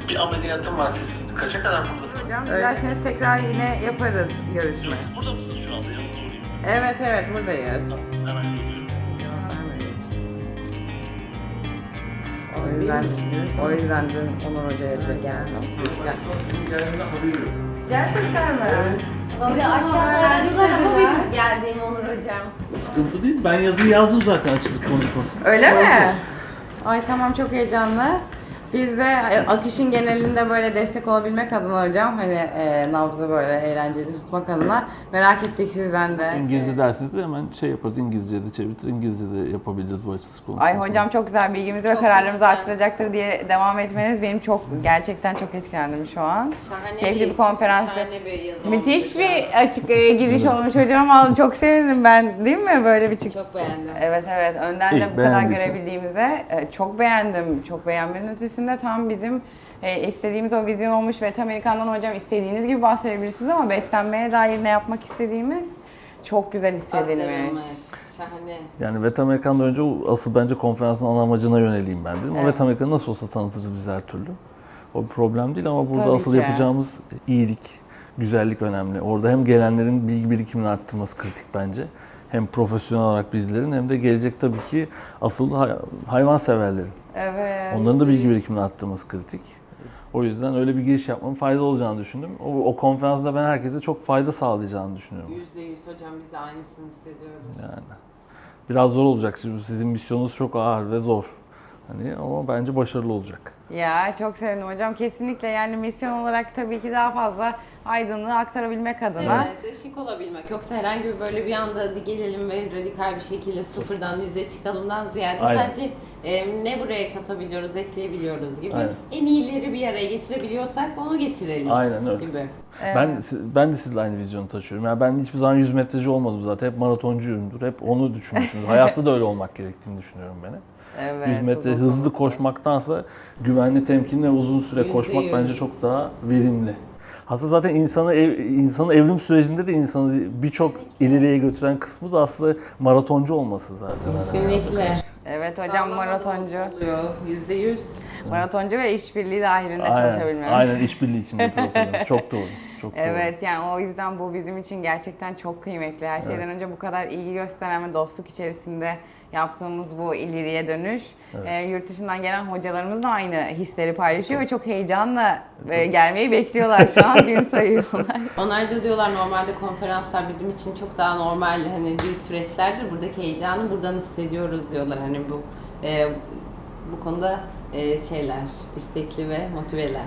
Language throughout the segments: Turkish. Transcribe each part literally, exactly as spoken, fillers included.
Bir ameliyatım var. Siz kaça kadar buradasınız? Hocam dilerseniz tekrar yine yaparız görüşme. Siz burada mısınız şu anda? Yanınızda olayım. Evet evet buradayız. Hemen geliyorum. O yüzden, o yüzden dün Onur Hoca'ya direkt geldim. Gel. Gerçekten mi? Bir de aşağıda aradılar ama benim geldiğim Onur hocam. Sıkıntı değil. Ben yazıyı yazdım zaten açılık konuşması. Öyle mi? Ay tamam çok heyecanlı. Biz de akışın genelinde böyle destek olabilmek adına hocam hani e, nabzı böyle eğlenceli tutmak adına merak ettik sizden de. İngilizce dersiniz de hemen şey yaparız, İngilizce'ye de çeviririz, İngilizce'de yapabiliriz bu açılış konuşmasını. Ay hocam çok güzel bilgimizi ve Çok kararlarımızı güzel. arttıracaktır diye devam etmeniz benim çok gerçekten çok etkilendim şu an. Şahane Keyifli bir konferans. Şahane bir yazı Müthiş olmuş bir hocam. açık e, giriş olmuş hocam. Vallahi çok sevindim ben değil mi böyle bir çık. Çok beğendim. Evet evet önden İyi, de bu kadar beğendiyseniz. görebildiğimize e, çok beğendim. Çok beğenmenin ötesinde tam bizim e, istediğimiz o vizyon olmuş ve tam Amerikan'dan hocam istediğiniz gibi bahsedebilirsiniz ama beslenmeye dair ne yapmak istediğimiz çok güzel hissedilmiş. Aktarılmış. Şahane. Yani Vet Amerikan'dan önce o asıl bence konferansın ana amacına yöneleyim ben dedim. O Evet. Vet Amerikan'ı nasıl olsa tanıtırız biz her türlü. O bir problem değil ama burada Tabii asıl ki. yapacağımız iyilik, güzellik önemli. Orada hem gelenlerin bilgi birikimini arttırması kritik bence. Hem profesyonel olarak bizlerin hem de gelecek tabii ki asıl hay- hayvan severlerin. Evet. Onların da bilgi birikimini arttırması kritik. O yüzden öyle bir giriş yapmanın faydalı olacağını düşündüm. O, o konferansta ben herkese çok fayda sağlayacağını düşünüyorum. Yüzde yüz hocam biz de aynısını hissediyoruz. Yani biraz zor olacak. Şimdi sizin misyonunuz çok ağır ve zor. Hani ama bence başarılı olacak. Ya çok sevindim hocam. Kesinlikle yani misyon olarak tabii ki daha fazla aydınlığı aktarabilmek adına. Evet, ışık olabilmek. Yoksa herhangi bir böyle bir anda hadi gelelim ve radikal bir şekilde sıfırdan yüze çıkalımdan ziyade Aynen. sadece e, ne buraya katabiliyoruz, ekleyebiliyoruz gibi. Aynen. En iyileri bir araya getirebiliyorsak onu getirelim Aynen öyle. gibi. Ben ben de sizle aynı vizyonu taşıyorum. Yani ben hiçbir zaman yüz metreci olmadım zaten. Hep maratoncuyumdur. Hep onu düşünmüşümdür. Hayatta da öyle olmak gerektiğini düşünüyorum ben. hep. Evet. yüz metre uzun hızlı soluklu. koşmaktansa güvenli, temkinli ve uzun süre Yüzde koşmak yüz. bence çok daha verimli. Aslında zaten insanı ev, insanın evrim sürecinde de insanı birçok ileriye götüren kısmı da aslında maratoncu olması zaten. Kesinlikle. Evet hocam maratoncu. Oluyor. Yüzde yüz. Maratoncu ve işbirliği dahilinde Aynen, çalışabilmemiz. aynen işbirliği içinde çalışıyoruz. Çok doğru. Çok doğru. Evet yani o yüzden bu bizim için gerçekten çok kıymetli. Her şeyden Evet. önce bu kadar ilgi gösteren ve dostluk içerisinde yaptığımız bu ileriye dönüş. Evet. e, yurt dışından gelen hocalarımız da aynı hisleri paylaşıyor ve çok heyecanla e, gelmeyi bekliyorlar şu an gün sayıyorlar. Onlar da diyorlar normalde konferanslar bizim için çok daha normal hani düz süreçlerdir. Buradaki heyecanı buradan hissediyoruz diyorlar hani bu e, bu konuda e, şeyler istekli ve motiveler.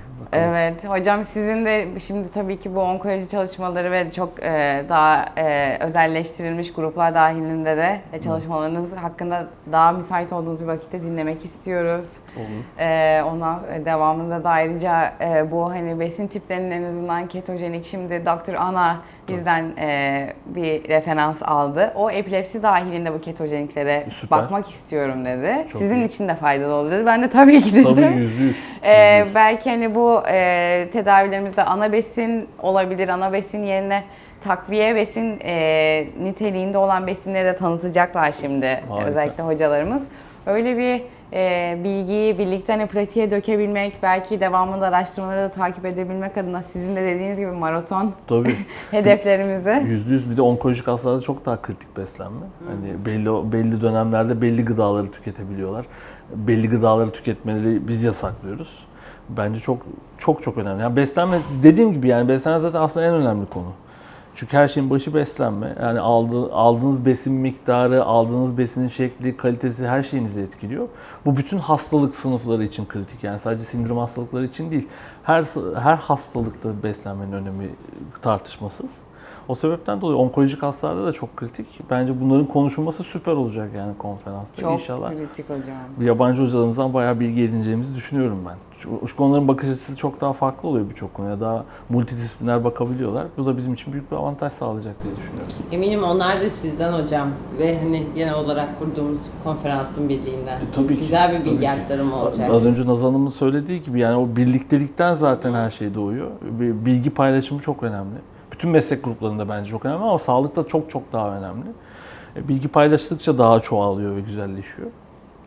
Evet hocam sizin de şimdi tabii ki bu onkoloji çalışmaları ve çok e, daha e, özelleştirilmiş gruplar dahilinde de e, çalışmalarınız hakkında daha müsait olduğunuz bir vakitte dinlemek istiyoruz. Olur. E, ondan devamında da ayrıca e, bu hani besin tiplerinin en azından ketojenik şimdi doktor Ana bizden e, bir referans aldı. O epilepsi dahilinde bu ketojeniklere Süper. bakmak istiyorum dedi. Çok Sizin iyi. için de faydalı olur dedi. Ben de tabii ki dedim. Tabii yüzde yüz. Ee, Yüzde yüz. belki hani bu e, tedavilerimizde ana besin olabilir. Ana besin yerine takviye besin e, niteliğinde olan besinleri de tanıtacaklar şimdi Harika. özellikle hocalarımız. Öyle bir e, bilgiyi birlikte hani pratiğe dökebilmek, belki devamında araştırmaları da takip edebilmek adına sizin de dediğiniz gibi maraton Tabii. hedeflerimizi. Yüzde yüz bir de onkolojik hastalarda çok daha kritik beslenme. Hani belli belli dönemlerde belli gıdaları tüketebiliyorlar. Belli gıdaları tüketmeleri biz yasaklıyoruz. Bence çok çok çok önemli. Yani beslenme dediğim gibi yani beslenme zaten aslında en önemli konu. Çünkü her şeyin başı beslenme. Yani aldığı, aldığınız besin miktarı, aldığınız besinin şekli, kalitesi her şeyinizi etkiliyor. Bu bütün hastalık sınıfları için kritik. Yani sadece sindirim hastalıkları için değil. Her her hastalıkta beslenmenin önemi tartışmasız. O sebepten dolayı onkolojik hastalarda da çok kritik. Bence bunların konuşulması süper olacak yani konferansta. Çok İnşallah kritik hocam. yabancı hocalarımızdan bayağı bilgi edineceğimizi düşünüyorum ben. Çünkü onların bakış açısı çok daha farklı oluyor birçok konuya. Daha multidisipliner bakabiliyorlar. Bu da bizim için büyük bir avantaj sağlayacak diye düşünüyorum. Eminim onlar da sizden hocam ve hani genel olarak kurduğumuz konferansın birliğinden. E, tabii ki. Güzel bir Tabii bilgi ki. aktarımı olacak. Az önce Nazan Hanım'ın söylediği gibi yani o birliktelikten zaten her şey doğuyor. Bir bilgi paylaşımı çok önemli. Bütün meslek gruplarında bence çok önemli ama sağlıkta çok çok daha önemli. E, Bilgi paylaştıkça daha çoğalıyor ve güzelleşiyor.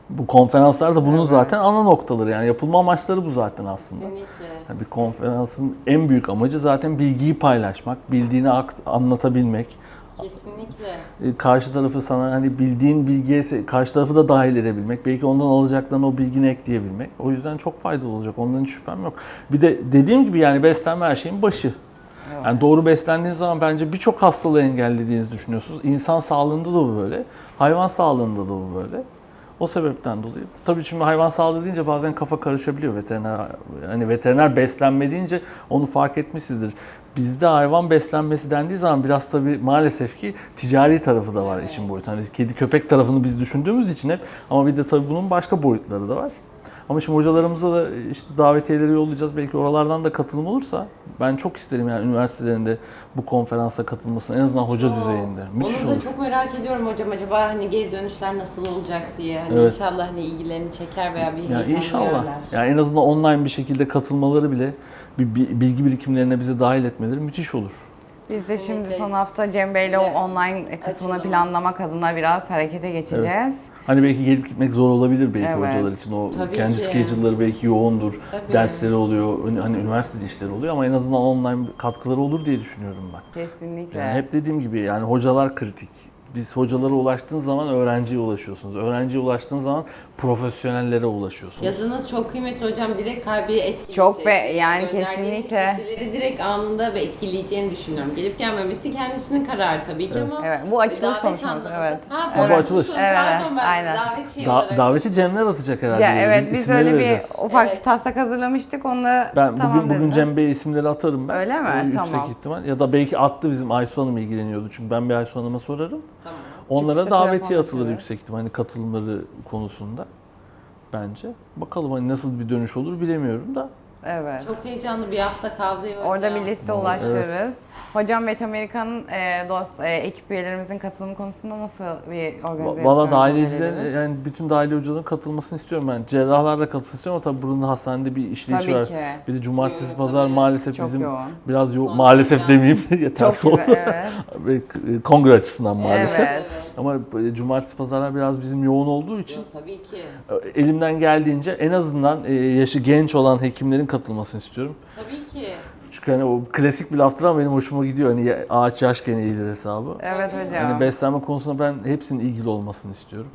Bu konferanslar da bunun Evet. zaten ana noktaları, yani yapılma amaçları bu zaten aslında. Kesinlikle. Yani bir konferansın en büyük amacı zaten bilgiyi paylaşmak, bildiğini akt- anlatabilmek. Kesinlikle. E, Karşı tarafı sana hani bildiğin bilgiye se- karşı tarafı da dahil edebilmek, belki ondan alacaklarını o bilgini ekleyebilmek. O yüzden çok faydalı olacak. Ondan hiç şüphem yok. Bir de dediğim gibi yani beslenme her şeyin başı. Evet. Yani doğru beslendiğiniz zaman bence birçok hastalığı engellediğinizi düşünüyorsunuz. İnsan sağlığında da bu böyle, hayvan sağlığında da bu böyle. O sebepten dolayı. Tabii şimdi hayvan sağlığı deyince bazen kafa karışabiliyor veteriner. Hani veteriner beslenme deyince onu fark etmişsizdir. Bizde hayvan beslenmesi dendiği zaman biraz tabii maalesef ki ticari tarafı da var Evet. işin boyutu. Hani kedi köpek tarafını biz düşündüğümüz için hep, ama bir de tabii bunun başka boyutları da var. Ama şimdi hocalarımıza da işte davetiyeleri yollayacağız. Belki oralardan da katılım olursa ben çok isterim yani üniversitelerinde bu konferansa katılmasını, en azından hoca Çok. düzeyinde. Müthiş Onu da olur. çok merak ediyorum hocam, acaba hani geri dönüşler nasıl olacak diye. Hani Evet. inşallah hani ilgilerini çeker veya bir Ya heyecan inşallah. duyarlar. Yani en azından online bir şekilde katılmaları bile, bir bir bilgi birikimlerine bizi dahil etmeleri müthiş olur. Biz de şimdi Kesinlikle. son hafta Cem Bey'le o Evet. online kısmını Açılımı. planlamak adına biraz harekete geçeceğiz. Hani belki gelip gitmek zor olabilir belki Evet. hocalar için. O Tabii kendi ki. schedule'ları belki yoğundur. Tabii. Dersleri oluyor, hani üniversitede işleri oluyor ama en azından online katkıları olur diye düşünüyorum ben. Kesinlikle. Yani hep dediğim gibi yani hocalar kritik. Biz hocalara ulaştığın zaman öğrenciye ulaşıyorsunuz. Öğrenciye ulaştığın zaman profesyonellere ulaşıyorsunuz. Yazınız çok kıymetli hocam, direkt kalbi etkileyecek. Çok be- yani Gönderdiğiniz kesinlikle. kişileri direkt anında ve etkileyeceğini düşünüyorum. Gelip gelmemesi kendisinin kararı tabii ki ama. Evet, bu açılış davet konuşmamız, anlamında- evet. Ha, Evet. bu Bu açılış. açılış. Evet, Pardon, ben aynen. davet şeyi Da- olarak. daveti Cemler atacak herhalde. Ya, evet biz isimleri öyle bir vereceğiz. ufak Evet. taslak hazırlamıştık onu Ben tamam bugün bugün dediler. Cem Bey'e isimleri atarım ben. Öyle mi? O yüksek Tamam. ihtimal. Ya da belki attı, bizim Aysu Hanım ilgileniyordu. Çünkü ben bir Aysu Hanım'a sorarım. Tamam. Onlara Çıkışta davetiye telefonla atılır söyleriz. yüksek ihtimal hani katılımları konusunda bence. Bakalım hani nasıl bir dönüş olur bilemiyorum da. Evet. Çok heyecanlı bir hafta kaldı hocam. Orada bir liste Evet. ulaştırırız. Hocam Vet Amerika'nın e, dost e, ekip üyelerimizin katılım konusunda nasıl bir organizasyon Valla dahiliyecilerin, öneririz? yani bütün dahiliye hocaların katılmasını istiyorum ben. Cerrahlar da katılsın istiyorum ama tabii buranın hastanede bir işleyiş Tabii var. ki. Bir de cumartesi Evet, pazar tabii. maalesef Çok bizim yoğun. biraz yo- Kontenjan. maalesef demeyeyim de yeter Çok oldu. güzel, evet. Ve kongre açısından maalesef. Evet. Evet. Ama e, cumartesi pazarlar biraz bizim yoğun olduğu için Yok, tabii ki. e, elimden geldiğince en azından e, yaşı genç olan hekimlerin katılmasını istiyorum. Tabii ki. Çünkü hani o klasik bir laftır ama benim hoşuma gidiyor. Hani ya- ağaç yaşken eğilir hesabı. Evet Tabii. hocam. Hani beslenme konusunda ben hepsinin ilgili olmasını istiyorum.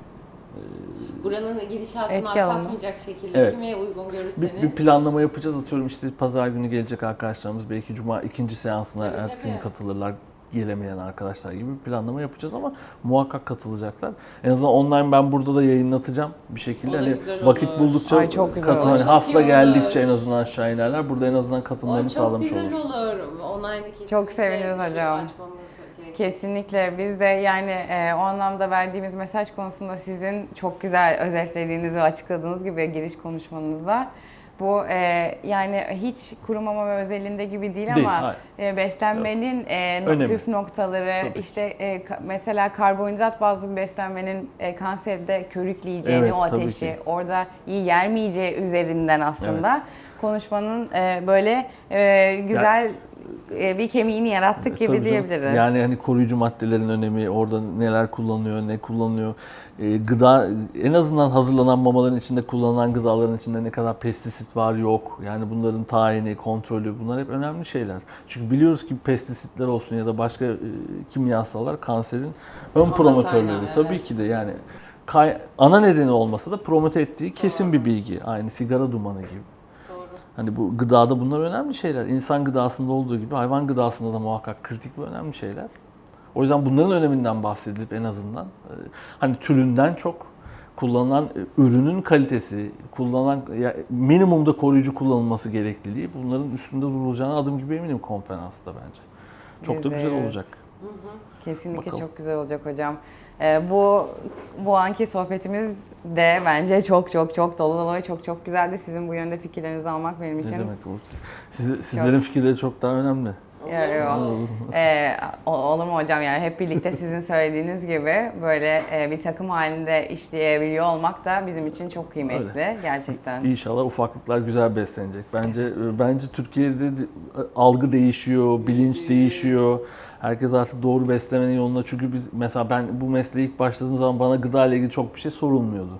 Buranın gidişatını Etki alanı. aksatmayacak şekilde Evet. kime uygun Bir, görürseniz. bir planlama yapacağız. Atıyorum işte pazar günü gelecek arkadaşlarımız belki cuma ikinci seansına Tabii, ertesi gün tabii. katılırlar. Gelemeyen arkadaşlar gibi bir planlama yapacağız ama muhakkak katılacaklar. En azından online ben burada da yayınlatacağım bir şekilde. O da Hani güzel vakit olur. buldukça Ay, çok güzel katıl- olur. hani Çok hasta iyi geldikçe olur. en azından aşağı inerler. Burada en azından O katılımlarını çok sağlamış güzel oluruz. olur. Online'da kesinlikle Çok seviniriz bir şey hocam. açmamız gerekiyor. Kesinlikle biz de yani e, o anlamda verdiğimiz mesaj konusunda sizin çok güzel özetlediğiniz ve açıkladığınız gibi giriş konuşmanızda bu e, yani hiç kuru mama ve özelinde gibi değil, Değil, ama hayır. e, beslenmenin e, no- Önemi. püf noktaları Tabii ki. işte e, ka- mesela karbonhidrat bazlı bir beslenmenin e, kanserde körükleyeceğini, Evet, o tabii ateşi ki. orada iyi yermeyeceği üzerinden aslında konuşmanın e, böyle e, güzel e, bir kemiğini yarattık gibi Tabii canım. diyebiliriz. Yani hani koruyucu maddelerin önemi, orada neler kullanılıyor, ne kullanılıyor. Ee, gıda, en azından hazırlanan mamaların içinde kullanılan gıdaların içinde ne kadar pestisit var yok. Yani bunların tayini, kontrolü, bunlar hep önemli şeyler. Çünkü biliyoruz ki pestisitler olsun ya da başka e, kimyasallar kanserin ön Ana promotörleri. kaynağı, Tabii evet. ki de yani kay- ana nedeni olmasa da promote ettiği kesin bir bilgi. Aynı sigara dumanı gibi. Doğru. Hani bu gıdada bunlar önemli şeyler. İnsan gıdasında olduğu gibi hayvan gıdasında da muhakkak kritik ve önemli şeyler. O yüzden bunların öneminden bahsedilip en azından e, hani türünden çok kullanılan e, ürünün kalitesi, kullanılan ya, minimumda koruyucu kullanılması gerekliliği, bunların üstünde durulacağına adım gibi eminim konferansta bence. Çok da güzel Yüzde yüz. olacak. Kesinlikle Bakalım. çok güzel olacak hocam. Ee, bu bu anki sohbetimiz de bence çok çok çok dolu dolu ve çok çok güzeldi. Sizin bu yönde fikirlerinizi almak benim Ne için. demek bu? Siz, sizlerin fikirleri çok daha önemli. Ya, yok. Ee, o- olur mu hocam, yani hep birlikte sizin söylediğiniz gibi böyle e, bir takım halinde işleyebiliyor olmak da bizim için çok kıymetli gerçekten. İnşallah ufaklıklar güzel beslenecek. Bence e, bence Türkiye'de de algı değişiyor, bilinç Yüzde yüz. değişiyor. Herkes artık doğru beslemenin yolunda. Çünkü biz mesela ben bu mesleğe ilk başladığım zaman bana gıda ile ilgili çok bir şey sorulmuyordu.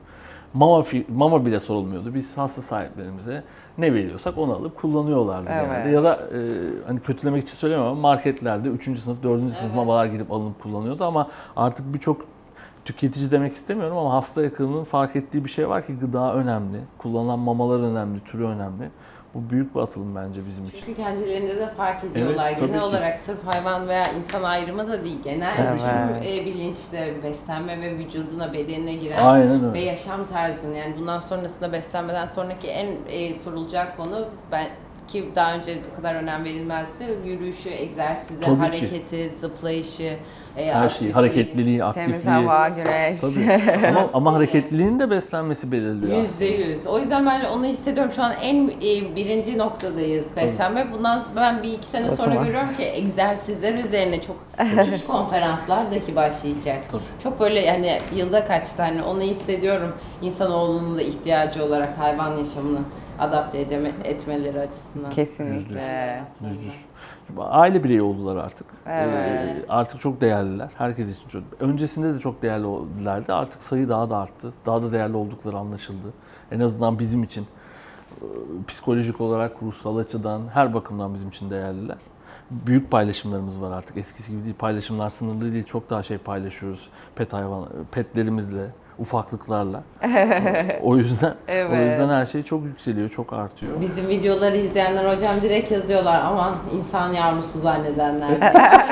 Mama, fi- mama bile sorulmuyordu. Biz hasta sahiplerimize ne veriyorsak onu alıp kullanıyorlardı Evet. genelde. Ya da e, hani kötülemek için söylemiyorum ama marketlerde üçüncü sınıf, dördüncü sınıf Evet. mamalar gidip alınıp kullanıyordu ama artık birçok tüketici demek istemiyorum ama hasta yakınının fark ettiği bir şey var ki gıda önemli, kullanılan mamalar önemli, türü önemli. Bu büyük bir atılım bence bizim için. Çünkü kendilerinde de fark ediyorlar. Evet, tabii Genel ki. olarak sırf hayvan veya insan ayrımı da değil. Genel Evet. tüm e, bilinçte beslenme ve vücuduna, bedenine giren Aynen ve öyle. yaşam tarzını, yani bundan sonrasında beslenmeden sonraki en e, sorulacak konu, ben ki daha önce bu kadar önem verilmezdi. Yürüyüşü, egzersizi, Tabii ki. hareketi, zıplayışı, e, Her şeyi, aktifliği. hareketliliği, Temiz aktifliği. hava, güneş. Tabii. ama, ama hareketliliğin de beslenmesi belirliyor Yüzde yüz. O yüzden ben onu hissediyorum. Şu an en e, birinci noktadayız beslenme. Bundan ben bir iki sene O sonra zaman. görüyorum ki egzersizler üzerine çok iş konferanslar dahi başlayacak. Tabii. Çok böyle yani yılda kaç tane onu hissediyorum. İnsanoğlunun da ihtiyacı olarak hayvan yaşamını adapte edeme, etmeleri açısından. Kesinlikle. Yüzde yüz. Aile bireyi oldular artık. Evet. Ee, artık çok değerliler. Herkes için çok. Öncesinde de çok değerlilerdi. Artık sayı daha da arttı. Daha da değerli oldukları anlaşıldı. En azından bizim için. Ee, Psikolojik olarak, ruhsal açıdan, her bakımdan bizim için değerliler. Büyük paylaşımlarımız var artık. Eskisi gibi değil. Paylaşımlar sınırlı değil. Çok daha şey paylaşıyoruz. Pet hayvan, petlerimizle, ufaklıklarla. O yüzden Evet. o yüzden her şey çok yükseliyor, çok artıyor. Bizim videoları izleyenler hocam direkt yazıyorlar, aman insan yavrusu zannedenler diye.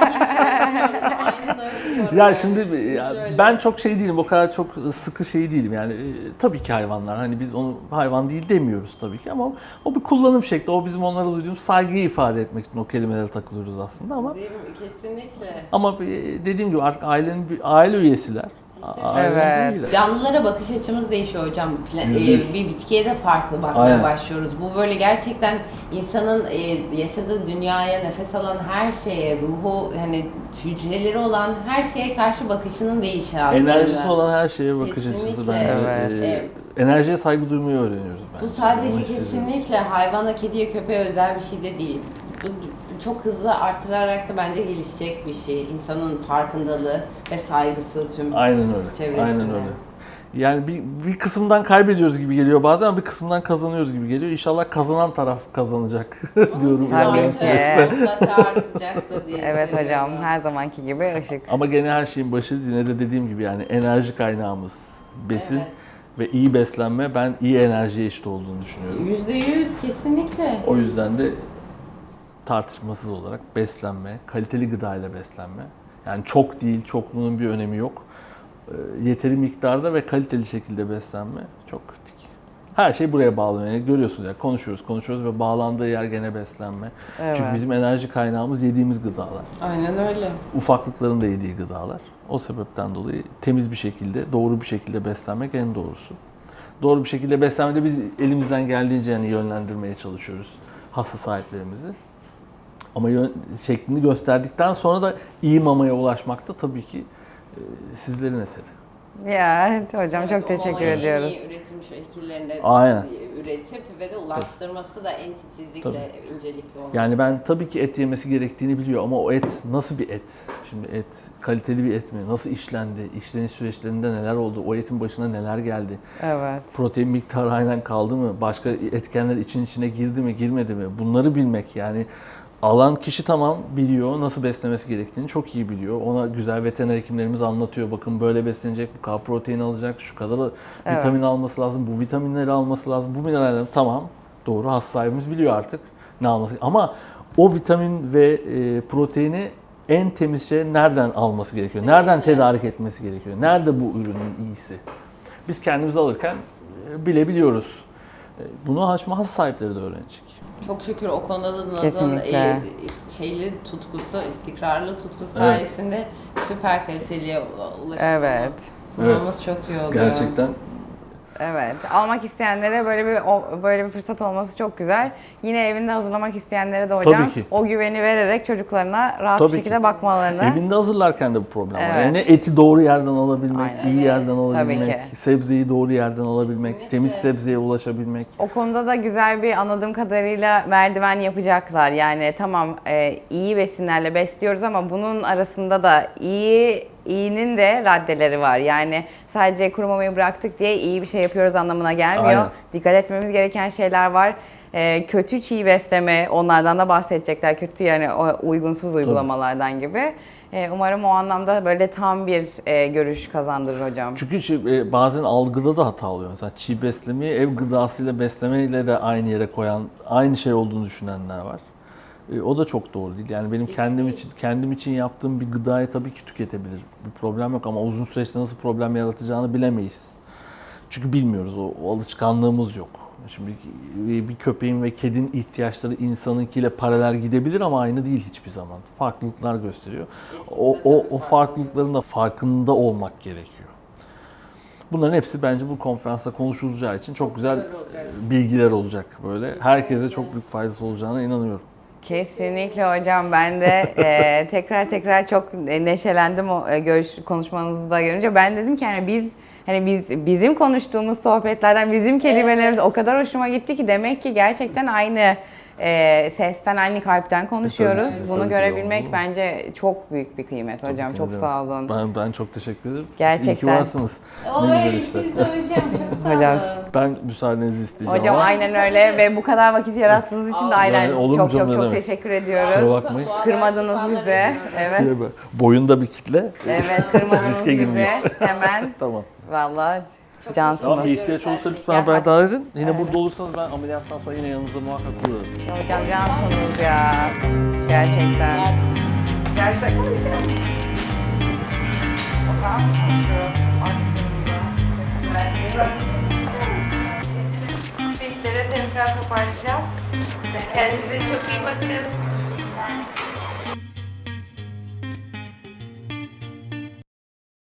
Aynen öyle diyorum. Ya yani. şimdi Kesinlikle ya öyle. ben çok şey değilim, o kadar çok sıkı şey değilim yani. E, tabii ki hayvanlar, hani biz onu hayvan değil demiyoruz tabii ki ama o bir kullanım şekli, o bizim onlara duyduğumuz saygıyı ifade etmek için o kelimelere takılıyoruz aslında ama Değil mi? Kesinlikle. ama e, dediğim gibi artık ailenin bir aile üyesiler. A- Evet. aile üyeler. Canlılara bakış açımız değişiyor hocam. Pla- Yüzde e, yüz. bir bitkiye de farklı bakmaya Aynen. başlıyoruz. Bu böyle gerçekten insanın e, yaşadığı dünyaya, nefes alan her şeye, ruhu, hani hücreleri olan her şeye karşı bakışının değişi aslında. Enerjisi olan her şeye bakış açısı Kesinlikle. bence. Evet. e, enerjiye saygı duymayı öğreniyoruz bence. Bu sadece Onu hissediyorum. kesinlikle hayvana, kediye, köpeğe özel bir şey de değil. Bu çok hızlı artırarak da bence gelişecek bir şey. İnsanın farkındalığı ve saygısı tüm Aynen öyle. çevresine. Aynen öyle. Yani bir, bir kısımdan kaybediyoruz gibi geliyor bazen ama bir kısımdan kazanıyoruz gibi geliyor. İnşallah kazanan taraf kazanacak diyorum. Tabii ilerleyen ki. süreçte. Mutlaka artacaktır diye Evet hocam, hissediyorum. her zamanki gibi ışık. Ama gene her şeyin başı yine de dediğim gibi yani enerji kaynağımız besin Evet. ve iyi beslenme, ben iyi enerjiye eşit olduğunu düşünüyorum. Yüzde yüz kesinlikle. O yüzden de tartışmasız olarak beslenme, kaliteli gıda ile beslenme. Yani çok değil, çokluğunun bir önemi yok. Ee, Yeteri miktarda ve kaliteli şekilde beslenme çok kritik. Her şey buraya bağlanıyor. Yani görüyorsunuz ya, konuşuyoruz, konuşuyoruz ve bağlandığı yer gene beslenme. Evet. Çünkü bizim enerji kaynağımız yediğimiz gıdalar. Aynen öyle. Ufaklıkların da yediği gıdalar. O sebepten dolayı temiz bir şekilde, doğru bir şekilde beslenmek en doğrusu. Doğru bir şekilde beslenmede biz elimizden geldiğince yani yönlendirmeye çalışıyoruz hasta sahiplerimizi. Ama yön, şeklini gösterdikten sonra da iyi mamaya ulaşmak da tabii ki e, sizlerin eseri. Ya evet hocam, Evet, çok o teşekkür mamayı en ediyoruz. iyi üretim şekillerinde Aynen. üretip ve de ulaştırması da en titizlikle, incelikli olması. Yani ben tabii ki et yemesi gerektiğini biliyor ama o et nasıl bir et? Şimdi et kaliteli bir et mi? Nasıl işlendi? İşleniş süreçlerinde neler oldu? O etin başına neler geldi? Evet. Protein miktarı aynen kaldı mı? Başka etkenler için içine girdi mi, girmedi mi? Bunları bilmek yani. Alan kişi tamam biliyor, nasıl beslemesi gerektiğini çok iyi biliyor. Ona güzel veteriner hekimlerimiz anlatıyor. Bakın böyle beslenecek, bu kadar protein alacak, şu kadar Evet. vitamin alması lazım, bu vitaminleri alması lazım, bu mineralleri tamam. Doğru, hasta sahibimiz biliyor artık ne alması. Ama o vitamin ve e, proteini en temiz şey nereden alması gerekiyor? Nereden Kesinlikle. tedarik etmesi gerekiyor? Nerede bu ürünün iyisi? Biz kendimiz alırken e, bilebiliyoruz. E, Bunu hasta sahipleri de öğrenecek. Çok şükür o konuda da Naz'ın Kesinlikle. e, şeyli tutkusu, istikrarlı tutkusu sayesinde süper kaliteliye ulaşıp Evet. sunmamız çok iyi oluyor. Gerçekten Evet. Almak isteyenlere böyle bir o- böyle bir fırsat olması çok güzel. Yine evinde hazırlamak isteyenlere de hocam Tabii ki. o güveni vererek çocuklarına rahat Tabii bir şekilde ki. bakmalarını. evinde hazırlarken de bu problem var. Evet. Yani eti doğru yerden alabilmek, Aynen. iyi Evet, yerden tabii alabilmek, ki. sebzeyi doğru yerden alabilmek, Kesinlikle. temiz sebzeye ulaşabilmek. O konuda da güzel bir, anladığım kadarıyla, merdiven yapacaklar. Yani tamam, e, iyi besinlerle besliyoruz ama bunun arasında da iyi iyinin de raddeleri var. Yani sadece kuru mamayı bıraktık diye iyi bir şey yapıyoruz anlamına gelmiyor. Aynen. Dikkat etmemiz gereken şeyler var. Ee, kötü çiğ besleme, onlardan da bahsedecekler. Kötü yani o uygunsuz uygulamalardan gibi. Ee, umarım o anlamda böyle tam bir e, görüş kazandırır hocam. Çünkü şey, e, bazen algıda da hata oluyor. Mesela çiğ beslemeyi ev gıdasıyla beslemeyle de aynı yere koyan, aynı şey olduğunu düşünenler var. E, o da çok doğru değil. Yani benim Hiç kendim değil. için kendim için yaptığım bir gıdayı tabii ki tüketebilirim. Bir problem yok ama uzun süreçte nasıl problem yaratacağını bilemeyiz. Çünkü bilmiyoruz. O, o alışkanlığımız yok. Şimdi bir köpeğin ve kedinin ihtiyaçları insanınkiyle paralel gidebilir ama aynı değil hiçbir zaman. Farklılıklar gösteriyor. O, o, o farklılıkların da farkında olmak gerekiyor. Bunların hepsi bence bu konferansta konuşulacağı için çok güzel bilgiler olacak böyle. Herkese çok büyük faydası olacağına inanıyorum. Kesinlikle hocam, ben de e, tekrar tekrar çok neşelendim o e, görüş konuşmanızı da görünce. Ben dedim ki hani biz hani biz bizim konuştuğumuz sohbetlerden bizim kelimelerimiz o kadar hoşuma gitti ki demek ki gerçekten aynı e, sesten, aynı kalpten konuşuyoruz. tabii, Bunu tabii ki görebilmek doğru. bence çok büyük bir kıymet hocam. Çok ederim. sağ olun. Ben, ben çok teşekkür ederim. Gerçekten. İyi ki varsınız. Ne güzel Oy işte. siz de hocam çok sağ Hocam. olun. Ben müsaadenizi isteyeceğim Hocam ama aynen öyle ve bu kadar vakit yarattığınız için de aynen Yani olur mu çok canım, çok ne çok demek. teşekkür kusura ediyoruz. bakmayın. Kırmadınız bizi. Evet. Boyunda bir kitle. Evet, kırmadınız Riske bizi. girmeyin. Hemen. Tamam. Vallahi Çok cansınız. Tamam, ihtiyaç olursa lütfen Ya, haberdar edin. Yine evet. burada olursanız ben ameliyattan sonra yine yanınızda muhakkak bulurum. Hocam cansınız ya. Gerçekten. Gerçekten konuşuyorum. Bakar mısınız şu aşkımıza? Tweetlere tekrar toparlayacağız. Kendinize çok iyi bakın.